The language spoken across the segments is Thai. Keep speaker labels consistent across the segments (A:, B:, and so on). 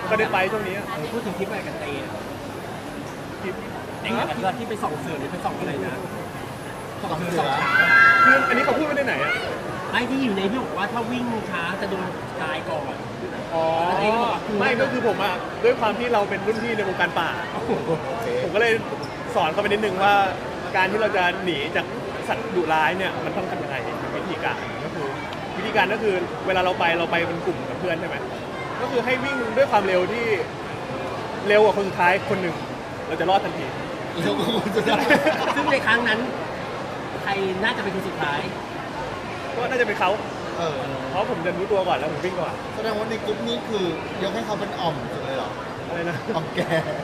A: ก็ได้ไปช่วงนี้
B: พูดถึงทริปไปกันเต้
A: คลิป
B: เด็กกันที่ไปส่องเสือหรือไปส่องอะไรนะส่องเสือส่องช้าง
A: คืออันนี้เขาพูดไม่ได้ไหนอ่ะ
B: ไม่ที่อยู่ในที่บอกว่าถ้าวิ่งช้าจะโดนตายก่อน
A: อ๋อไม่ก็คือผมอ่ะด้วยความที่เราเป็นรุ่นพี่ในวงการป่าผมก็เลยสอนเขาไปนิดนึงว่าการที่เราจะหนีจากสัตว์ดุร้ายเนี่ยมันต้องทำยังไงวิธีการก็คือเวลาเราไปเป็นกลุ่มกับเพื่อนใช่ไหมก็คือให้วิ่งด้วยความเร็วที่เร็วกว่าคนสุดท้ายคนหนึ่งเราจะรอดทันที
B: ซึ่งในครั้งนั้นใครน่าจะเป็นคนสุดท้าย
A: ก็น่าจะเป็นเขาเพราะผมจะรู้ตัวก่อนแล้วผมวิ่งก่อน
C: แสดงว่าในกลุ่มนี้คือยกให้เขาเป็นอ่อมสุดเลยเหรอ
A: อะไรนะ
C: อ่อมแก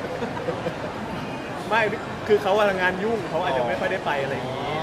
A: ไม่คือเขางานยุ่งเขาอาจจะไม่ค่อยได้ไปอะไรอย่างนี้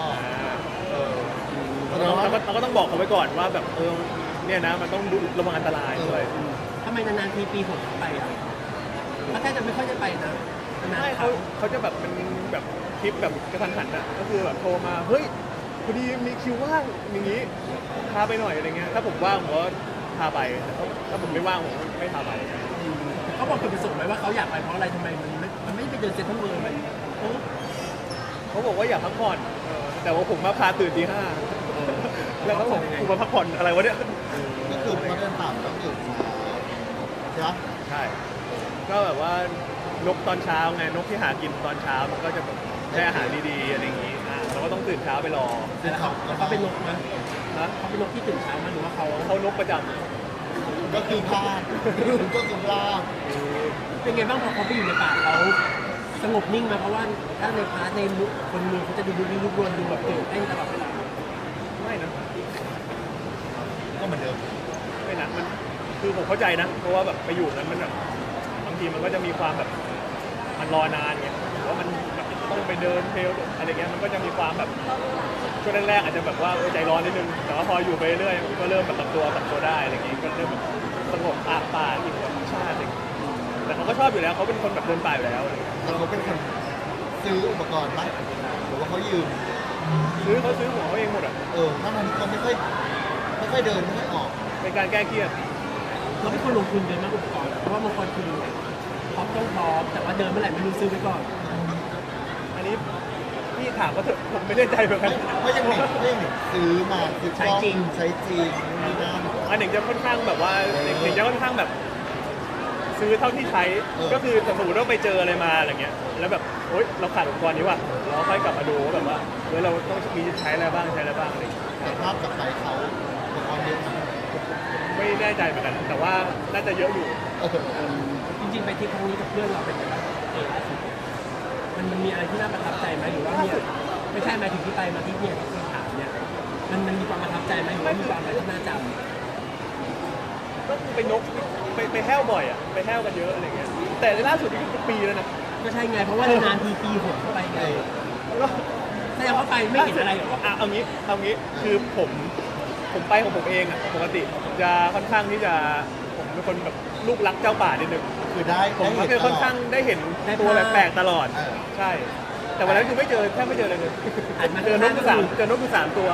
A: เราก็ต้องบอกเขาไว้ก่อนว่าแบบเนี่ยนะมันต้องระวังอันตรายด้วย
B: ทำไมนานๆปีผมไปอ่ะเขาแค่จะไม่ค่อยจะไปนะ
A: ไม่เขาจะแบบเป็นแบบคลิปแบบกระทันหันอ่ะก็คือแบบโทรมาเฮ้ยพอดีมีคิวว่างอย่างนี้พาไปหน่อยอะไรเงี้ยถ้าผมว่างผมก็พาไปถ้าผมไม่ว่างผมไม่พาไป
B: เขาบอกจุดประสงค์ไหมว่าเขาอยากไปเพราะอะไรทำไมมันไม่ไปเดินเซ็นทรัลเวิลด์มัน
A: เขาบอกว่าอยากพักผ่อนแต่ว่าผมมาพาตื่นตี 5แล้วเขาบอกผมมาพักผ่อนอะไรวะเนี่ย
C: ก็คือมาเดินป่าต้องตื่นเช้า
A: ใช่ก็แบบว่านกตอนเช้าไงนกที่หากินตอนเช้ามันก็จะแบบได้อาหารดีๆอะไรอย่างงี้เราก็ต้องตื่นเช้าไปรอ
B: เขาเป็นนกนะเขาเป็นนกที่ตื่นเช้ามาหรือว่า
A: เขานกประจำ
C: ก็คือพลาดก็คือพลาด
B: เป็นไงบ้างพอเขาไปอยู่ในป่าเขาสงบนิ่งมาเพราะว่าถ้าในพาร์ทในคนเมืองเขาจะดูรุกรวนดูแบบตื่นเต้นตลอดเวลา
A: ไม่นะ
C: ก็เหมือนเดิม
A: ไม่นะมันคือผมเข้าใจนะเพราะว่าแบบไปอยู่นั้นมันแบบบางทีมันก็จะมีความแบบมันรอนานไงหรือว่ามันแบบต้องไปเดินเทรลอะไรเงี้ยมันก็จะมีความแบบช่วงแรกๆอาจจะแบบว่าใจร้อนนิดนึงแต่ว่าพออยู่ไปเรื่อยก็เริ่มแบบปรับตัวได้อะไรเงี้ยก็เริ่มแบบสงบป่าอินกับธรรมชาติอะไรแต่เขาก็ชอบอยู่แล้วเขาเป็นคนแบบเดินป่าอยู่แล้ว
C: แต่เขาเป็นคนซื้ออุปกรณ์ไหมหรือว่าเขายืม
A: เขาซื้อของเขาเองหมดอ่ะ
C: ถ้ามันเขาไม่ค่อยเดินไม่ค่อยออก
A: เป็นการแก้เครียด
B: เราไม่ควรลงทุนเดินมากอุปกรณ์เพราะว่าบางคนคือพร้อมต้องพร้อมแต่ว่าเดินเมื่อไหร่ไม่รู้ซื้อไปก่อน
A: อันนี้พี่ถามก็เถอะผมไม่แน่ใจเหมือนกัน
C: เพราะยังซื้อมา
B: ใช้จริง
C: นี่นะ
A: อันหนึ่งจะค่อนข้างแบบว่าหนึ่งจะค่อนข้างแบบซื้อเท่าที่ใช้ก็คือสมมติว่าไปเจออะไรมาอะไรเงี้ยแล้วแบบโอ๊ยเราขาดอุปกรณ์นี้ว่ะเราค่อยกลับมาดูแบบว่าเราต้องมีใช้อะไรบ้างอะไร
C: แต่ภาพกับไปเขาอุปกรณ์เยอะ
A: ไม่แน่ใจเหมือนกันแต่ว่าน่าจะเยอะอยู่
B: จริงๆไปทริปครั้งนี้กับเพื่อนเราเป็นยังไงมันมีอะไรที่น่าประทับใจไหมหรือว่าเนี่ยไม่ใช่หมายถึงที่ไปมาที่เนี่ยที่ถามเนี่ยมันมีความประทับใจไหมหรือว่ามีความอะไรที่น่าจำ
A: ก็ไปนกไปแห้วบ่อยอ่ะไปแห้วกันเยอะอะไรเงี้ยแต่ล่าสุดนี่เป็นปีแล้วนะ
B: ก็ใช่ไงเพราะว่านานปีหกเข้าไปไงแสดงว่าไปไม่เห็นอะไรหรอ
A: เอางี้คือผมไปของผมเองอ่ะปกติจะค่อนข้างที่จะผมเป็นคนแบบลูกรักเจ้าป่านิดนึง
C: คือได้
A: ผมก็คือค่อนข้างได้เห็นตัวแปลกๆตลอดใช่แต่วันนั้นคือแทบไม่เจอเลยเจอนกคือ3ตัว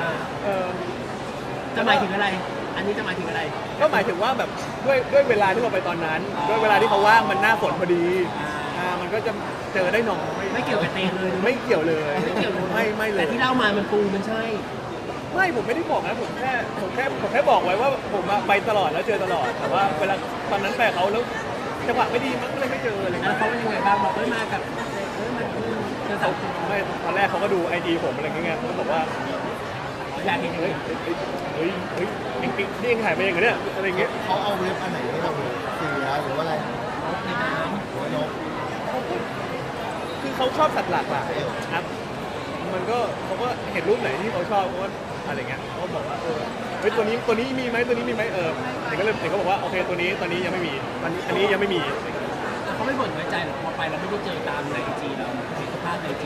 B: จะหมายถึงอะไรอันนี้จะหมายถึงอะไร
A: ก็หมายถึงว่าแบบด้วยเวลาที่เราไปตอนนั้นด้วยเวลาที่เขาว่างมันหน้าฝนพอดีมันก็จะเจอได้น้อย
B: ไม่เกี่ยวกับเตงเลย
A: ไม่เกี่ยวเลยไม่เลย
B: แต่ที่เล่ามามันปูมันใช่
A: ไม่ผมไม่ได้บอกนะผมแค่บอกไว้ว่าผมไปตลอดแล้วเจอตลอดแต่ว่าเวลาตอนนั้นแปลเขาแล้วจังหวะไม่ดีมันก็เลยไม่เจออะไร
B: แล้วเขาเป็นยังไงบ้างบอกมากับ
A: เขาไม่ตอนแรกเขาก็ดูIGผมอะไรเงี้ยเขาบอกว่า
B: อยากเห็น
A: เฮ้ยนี่ยังถ่ายไปอย่างเงี้ยอะไรเงี้ย
C: เขาเอาเว็บอันไหนให้เราเสือหรือว่าอะไร
B: ในน้ำ
C: หรือว่านก
A: คือเขาชอบสัตว์หลากหลายครับมันก็เขาก็เห็นรูปไหนที่เขาชอบเขาก็อะไรเงี้ยเขาบอกว่าเฮ้ยตัวนี้มีไหมเด็กก็บอกว่าโอเคตัวนี้ตอนนี้ยังไม่มีอันนี้ยังไม่มี
B: เขาไม่บ่นน้อยใจหรอกพอไปเราไม่ได้เจอตามในIGเราเห็นสภาพในIG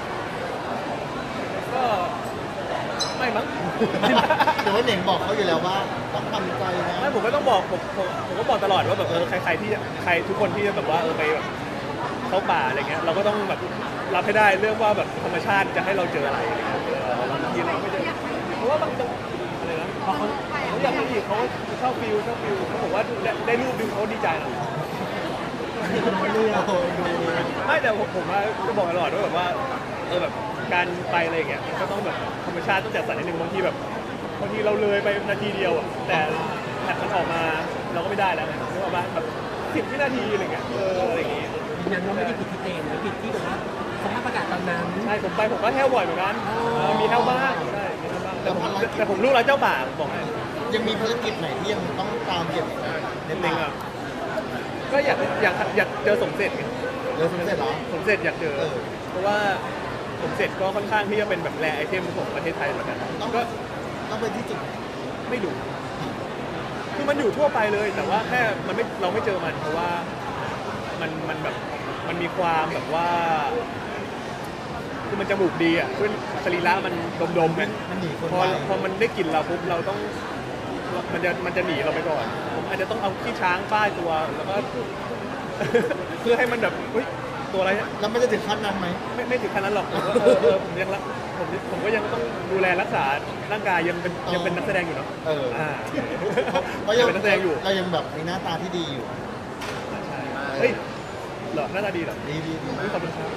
A: ก็ไม่มั้ง
C: แต่ว่าเน่งบอกเขาอยู่แล้วว่าต้องทำใจนะ
A: ไม่ผมก็ต้องบอกผมก็บอกตลอดว่าแบบใครทุกคนที่จะแบบว่าไปแบบเข้าป่าอะไรเงี้ยเราก็ต้องแบบรับให้ได้เรื่องว่าแบบธรรมชาติจะให้เราเจออะไรบางทีเราไม่เจอเพราะว่าบางอะไรนะเขาอยากไปอีกเขาชอบฟิลเขาบอกว่าได้รูปดึงเขาดีใจนะ
C: โอ้โหดู
A: ไม่แต่ผมว่าจะบอกตลอดว่าแบบว่าแบบการไปอะไรอย่างเงี้ยมันก็ต้องแบบธรรมชาติต้องจัดสรรนิดนึงบางทีเราเลยไปนาทีเดียวอ่ะแต่แมตช์มันออกมาเราก็ไม่ได้แล้วไงนึกออกปะแบบ10 วินาทีอะไรเงี้ยอะไรอย่างงี้
B: ยืนยันว่าไม่ได้ผิดที่เตนนะผิดที่แบบว่าสภาพอากาศตอนนั้น
A: ใช่ผมก็แห้วบ่อยเหมือนกันมีแห้วบ้างใช่มีแห้วบ้างแต่ผมรู้แล้วเจ้าป่าผมบอกให้
C: ยังมีภารกิจไหนที่ยังต้องตามเก็บอีกไหมใน
A: จริ
C: ป่าง
A: ๆอ่ะก็อยากเจอสมเสร็จไง
C: เริ่มสำเร็จเหรอ
A: สมเสร็จอยากเจอ
C: เออ
A: เพราะว่าสมเสร็จก็ค่อนข้างที่จะเป็นแบบแรไอเทมของประเทศไทยเหมือนกัน
C: ต้อง
A: ก็
C: ต้องไปที่จุดไหน
A: ไม่ดูคือมันอยู่ทั่วไปเลย แต่ว่าแค่เราไม่เจอมันเพราะว่ามันแบบมันมีความแบบว่าคือมันจมูกดีอ่ะคือสรีระมันดมๆไง
C: มันหนีคน
A: พอ
C: ไป
A: พอมันได้กลิ่นเราปุ๊บเราต้องมันจะหนีเราไปก่อนผมอาจจะต้องเอาขี้ช้างป้ายตัวแล้วก็ เพื่อให้มันแบบเฮ้ยตัวอะไรเนี่ย
C: แล้วมันจะถึงขั้นนั้นไหม
A: ไม่ถึงขนาดนั้นหรอกผมว่าผมยังรักผมก็ยังต้องดูแลรักษาร่างกายยังเป็นนักแสดงอยู่เนาะ
C: เออ เพราะ
A: ยั
C: ยัง ง
A: เป็นนักแสดงอยู่
C: เรายังแบบมีหน้าตาที่ดีอยู่
A: ใช่เฮ้ยเหรอหน้าตาดีเหรอ
C: ดีดีดี
A: อุ๊ยขอบคุณครับ
C: โอ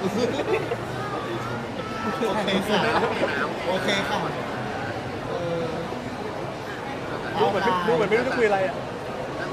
C: เคค่ะโอเคค่ะเออ
A: ดูเหมือนไม่รู้จะคุยอะไรอ่ะ